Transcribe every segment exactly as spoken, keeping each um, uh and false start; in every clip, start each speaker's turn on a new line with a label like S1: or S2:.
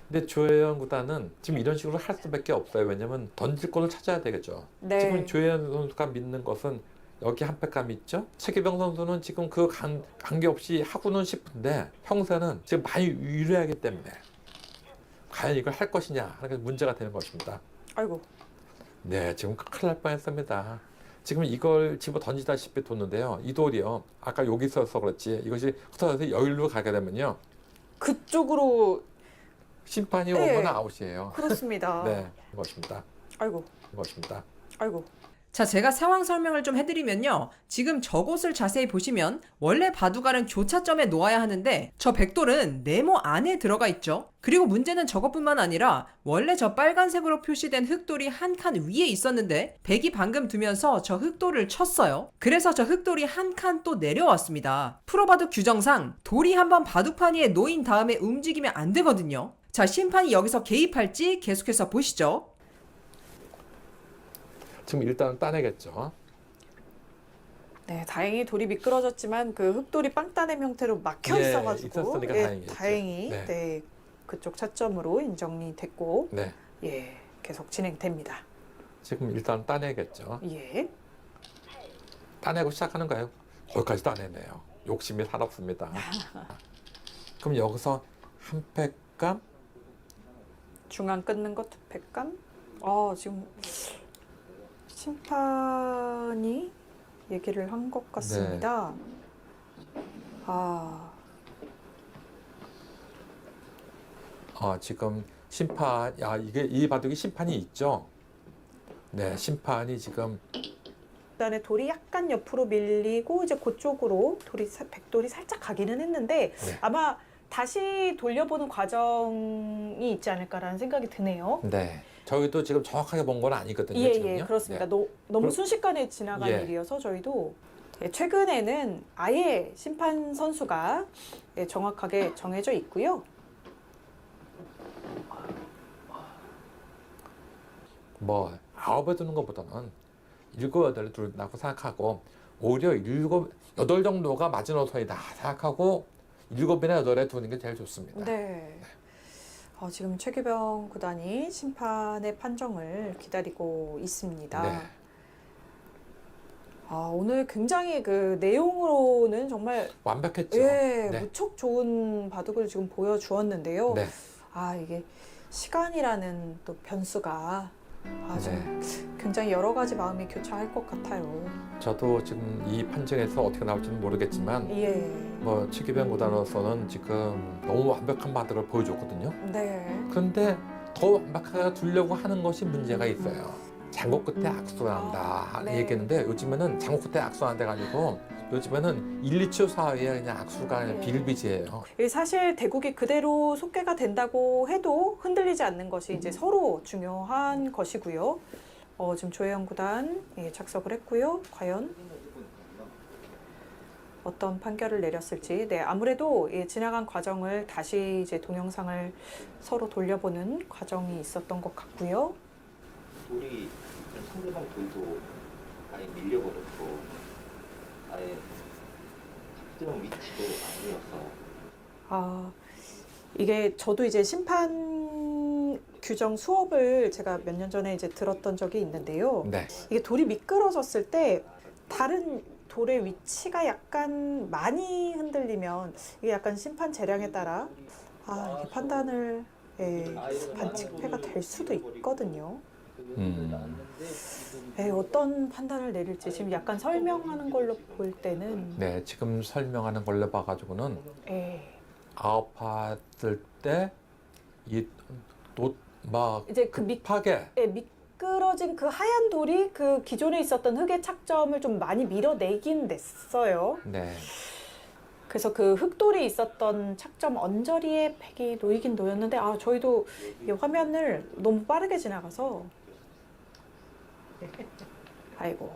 S1: 근데 조혜연 구단은 지금 이런 식으로 할 수밖에 없어요. 왜냐면 던질 골을 찾아야 되겠죠.
S2: 네.
S1: 지금 조혜연 선수가 믿는 것은 여기 한 팩감 있죠? 최기병 선수는 지금 그 관, 관계없이 하고는 싶은데 평소에는 지금 많이 유리하기 때문에 과연 이걸 할 것이냐 하는 게 문제가 되는 것입니다.
S2: 아이고.
S1: 네, 지금 큰일 날 뻔했습니다. 지금 이걸 집어 던지다시피 뒀는데요. 이 돌이요. 아까 여기 있어서 그렇지 이것이 흩어져서 여기로 가게 되면요.
S2: 그쪽으로.
S1: 심판이
S2: 네.
S1: 오면 아웃이에요.
S2: 그렇습니다.
S1: 네, 이것입니다.
S2: 아이고.
S1: 이것입니다.
S2: 아이고.
S3: 자, 제가 상황 설명을 좀 해드리면요. 지금 저곳을 자세히 보시면 원래 바둑알은 교차점에 놓아야 하는데 저 백돌은 네모 안에 들어가 있죠. 그리고 문제는 저것뿐만 아니라 원래 저 빨간색으로 표시된 흑돌이 한 칸 위에 있었는데 백이 방금 두면서 저 흑돌을 쳤어요. 그래서 저 흑돌이 한 칸 또 내려왔습니다. 프로바둑 규정상 돌이 한번 바둑판 위에 놓인 다음에 움직이면 안 되거든요. 자, 심판이 여기서 개입할지 계속해서 보시죠.
S1: 지금 일단 따내겠죠.
S2: 네, 다행히 돌이 미끄러졌지만 그 흑돌이 빵 따냄 형태로 막혀
S1: 예,
S2: 있어가지고
S1: 있었으니까
S2: 예,
S1: 다행이겠죠.
S2: 다행히
S1: 네.
S2: 네, 그쪽 차점으로 인정이 됐고
S1: 네,
S2: 예, 계속 진행됩니다.
S1: 지금 일단 따내겠죠.
S2: 예.
S1: 따내고 시작하는 거예요. 거기까지 따내네요. 욕심이 살았습니다. 그럼 여기서 한 팩감?
S2: 중앙 끊는 것 백감? 아, 지금 심판이 얘기를 한 것 같습니다. 아,
S1: 어, 지금 심판, 야, 이게 이 바둑이 심판이 있죠? 네, 심판이 지금
S2: 그다음에 돌이 약간 옆으로 밀리고 이제 그쪽으로 돌이 사- 백돌이 살짝 가기는 했는데
S1: 네.
S2: 아마 다시 돌려보는 과정이 있지 않을까라는 생각이 드네요.
S1: 네. 저희도 지금 정확하게 본 건 아니거든요.
S2: 예,
S1: 지금요.
S2: 예, 그렇습니다.
S1: 네.
S2: 너, 너무
S1: 그럼-
S2: 순식간에 지나간
S1: 예.
S2: 일이어서 저희도 예, 최근에는 아예 심판 선수가 예, 정확하게 정해져 있고요.
S1: 뭐 아홉에 두는 것보다는 일곱 여덟에 두는다고 생각하고 오히려 일곱 여덟 정도가 마지노선이다 생각하고 일곱이나 여덟에 두는 게 제일 좋습니다.
S2: 네. 어, 지금 최규병 구단이 심판의 판정을 기다리고 있습니다.
S1: 네.
S2: 아, 오늘 굉장히 그 내용으로는 정말
S1: 완벽했죠.
S2: 예,
S1: 네.
S2: 무척 좋은 바둑을 지금 보여주었는데요.
S1: 네.
S2: 아, 이게 시간이라는 또 변수가 아, 좀
S1: 네.
S2: 굉장히 여러 가지 마음이 교차할 것 같아요.
S1: 저도 지금 이 판정에서 어떻게 나올지는 모르겠지만
S2: 예.
S1: 뭐 최기병 구단으로서는 지금 너무 완벽한 바둑을 보여줬거든요.
S2: 네.
S1: 그런데 더 완벽하게 두려고 하는 것이 문제가 있어요. 장고 끝에 악수가 난다
S2: 아, 네.
S1: 얘기했는데 요즘에는 장고 끝에 악수가 난다 가지고 요즘에는 일, 이 초 사이에 그냥 악수가 그냥
S2: 네.
S1: 비일비재해요.
S2: 이 사실 대국이 그대로 속개가 된다고 해도 흔들리지 않는 것이 이제 서로 중요한 것이고요. 어, 지금 조혜영 구단 예, 착석을 했고요. 과연 어떤 판결을 내렸을지. 네, 아무래도 예, 지나간 과정을 다시 이제 동영상을 서로 돌려보는 과정이 있었던 것 같고요.
S4: 돌이 상대방 돌도 아예 밀려버렸고 아예 특정 위치도 아니어서
S2: 아, 이게 저도 이제 심판 규정 수업을 제가 몇 년 전에 이제 들었던 적이 있는데요.
S1: 네.
S2: 이게 돌이 미끄러졌을 때 다른 돌의 위치가 약간 많이 흔들리면 이게 약간 심판 재량에 따라 아, 이게 판단을 예, 반칙패가 될 수도 있거든요.
S1: 음.
S2: 예, 어떤 판단을 내릴지 지금 약간 설명하는 걸로 볼 때는
S1: 네, 지금 설명하는 걸로 봐가지고는
S2: 예,
S1: 아홉 받을 때이또막
S2: 이제 그 미,
S1: 급하게
S2: 예, 미끄러진 그 하얀 돌이 그 기존에 있었던 흑의 착점을 좀 많이 밀어내긴 냈어요.
S1: 네.
S2: 그래서 그 흑돌이 있었던 착점 언저리에 팩이 놓이긴 놓였는데 아 저희도 이 화면을 너무 빠르게 지나가서 아이고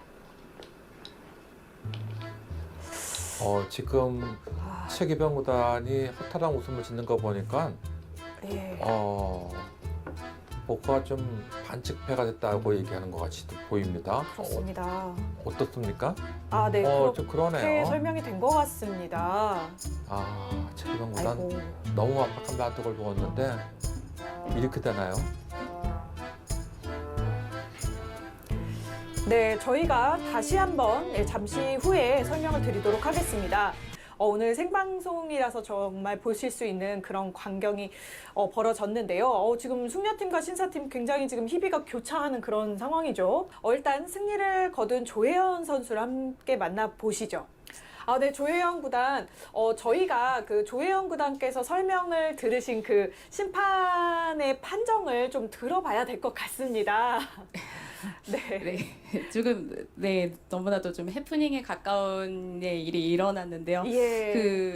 S1: 어, 지금
S2: 아,
S1: 최기병 구단이 허탈한 웃음을 짓는 거 보니까
S2: 예.
S1: 어, 복화가 좀 반칙패가 됐다고 얘기하는 것 같이 보입니다.
S2: 그렇습니다.
S1: 어, 어떻습니까?
S2: 아, 네.
S1: 어,
S2: 그렇게
S1: 좀 그러네요.
S2: 설명이 된 것 같습니다.
S1: 아, 최기병 구단
S2: 아이고.
S1: 너무 압박한 바둑을 보았는데 이렇게 되나요?
S2: 네, 저희가 다시 한번 예, 잠시 후에 설명을 드리도록 하겠습니다. 어, 오늘 생방송이라서 정말 보실 수 있는 그런 광경이 어, 벌어졌는데요. 어, 지금 숙녀팀과 신사팀 굉장히 지금 희비가 교차하는 그런 상황이죠. 어, 일단 승리를 거둔 조혜연 선수를 함께 만나보시죠. 아, 네, 조혜연 구단. 어, 저희가 그 조혜연 구단께서 설명을 들으신 그 심판의 판정을 좀 들어봐야 될 것 같습니다. 네.
S5: 네, 조금 네 너무나도 좀 해프닝에 가까운 네, 일이 일어났는데요.
S2: 예.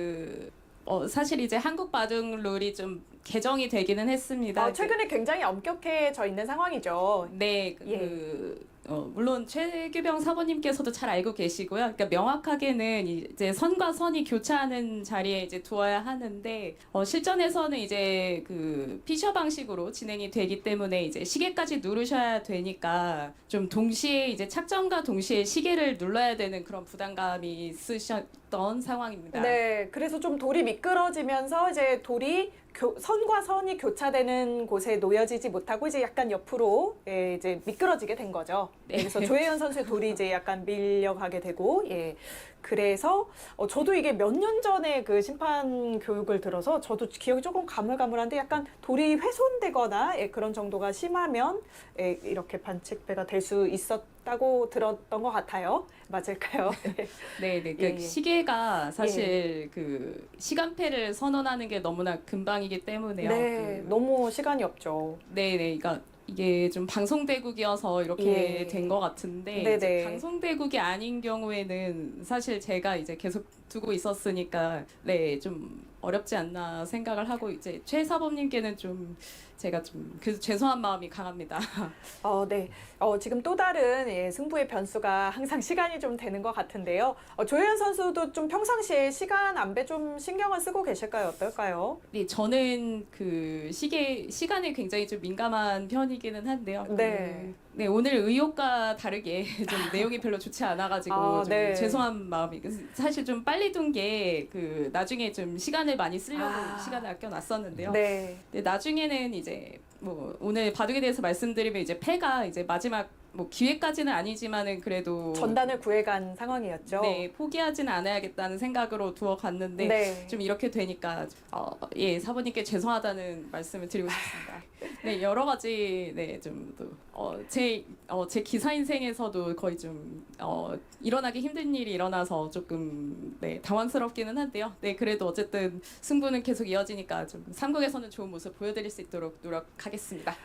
S5: 그 어, 사실 이제 한국 바둑 룰이 좀 개정이 되기는 했습니다.
S2: 어, 최근에 굉장히 엄격해져 있는 상황이죠.
S5: 네, 그,
S2: 예.
S5: 그, 어, 물론 최규병 사모님께서도 잘 알고 계시고요. 그러니까 명확하게는 이제 선과 선이 교차하는 자리에 이제 두어야 하는데 어, 실전에서는 이제 그 피셔 방식으로 진행이 되기 때문에 이제 시계까지 누르셔야 되니까 좀 동시에 이제 착점과 동시에 시계를 눌러야 되는 그런 부담감이 있으셨던 상황입니다.
S2: 네, 그래서 좀 돌이 미끄러지면서 이제 돌이 교, 선과 선이 교차되는 곳에 놓여지지 못하고 이제 약간 옆으로 예, 이제 미끄러지게 된 거죠.
S5: 네.
S2: 그래서 조혜연 선수의 돌이 이제 약간 밀려가게 되고, 예. 그래서 어, 저도 이게 몇 년 전에 그 심판 교육을 들어서 저도 기억이 조금 가물가물한데 약간 돌이 훼손되거나 예, 그런 정도가 심하면 예, 이렇게 반칙배가 될 수 있었다고 들었던 것 같아요. 맞을까요?
S5: 네, 네. 그
S2: 예, 예.
S5: 시계가 사실 그 시간패를 선언하는 게 너무나 금방이기 때문에요.
S2: 네,
S5: 그,
S2: 너무 시간이 없죠.
S5: 네, 네. 그러니까 이게 좀 방송대국이어서 이렇게
S2: 예.
S5: 된 것 같은데
S2: 네네.
S5: 이제 방송대국이 아닌 경우에는 사실 제가 이제 계속 두고 있었으니까 네, 좀 어렵지 않나 생각을 하고 이제 최 사범님께는 좀 제가 좀 그 죄송한 마음이 강합니다.
S2: 어, 네. 어, 지금 또 다른 예, 승부의 변수가 항상 시간이 좀 되는 것 같은데요. 어, 조혜연 선수도 좀 평상시에 시간 안배 좀 신경을 쓰고 계실까요? 어떨까요?
S5: 네, 저는 그 시계 시간에 굉장히 좀 민감한 편이기는 한데요.
S2: 네.
S5: 그, 네, 오늘 의욕과 다르게 좀 내용이 별로 좋지 않아가지고
S2: 아,
S5: 좀
S2: 네.
S5: 죄송한 마음이 사실 좀 빨리 둔 게 그 나중에 좀 시간을 많이 쓰려고
S2: 아.
S5: 시간을 아껴놨었는데요.
S2: 네.
S5: 근데 나중에는 이제 뭐 오늘 바둑에 대해서 말씀드리면 이제 패가 이제 마지막 뭐 기회까지는 아니지만은 그래도
S2: 전단을 구해간 상황이었죠.
S5: 네, 포기하지는 않아야겠다는 생각으로 두어 갔는데
S2: 네.
S5: 좀 이렇게 되니까 어, 예, 사부님께 죄송하다는 말씀을 드리고 싶습니다. 네, 여러 가지 네, 좀 또 어, 제 어, 제 기사 인생에서도 거의 좀 어, 일어나기 힘든 일이 일어나서 조금 네, 당황스럽기는 한데요. 네, 그래도 어쨌든 승부는 계속 이어지니까 좀 삼국에서는 좋은 모습 보여드릴 수 있도록 노력하겠습니다.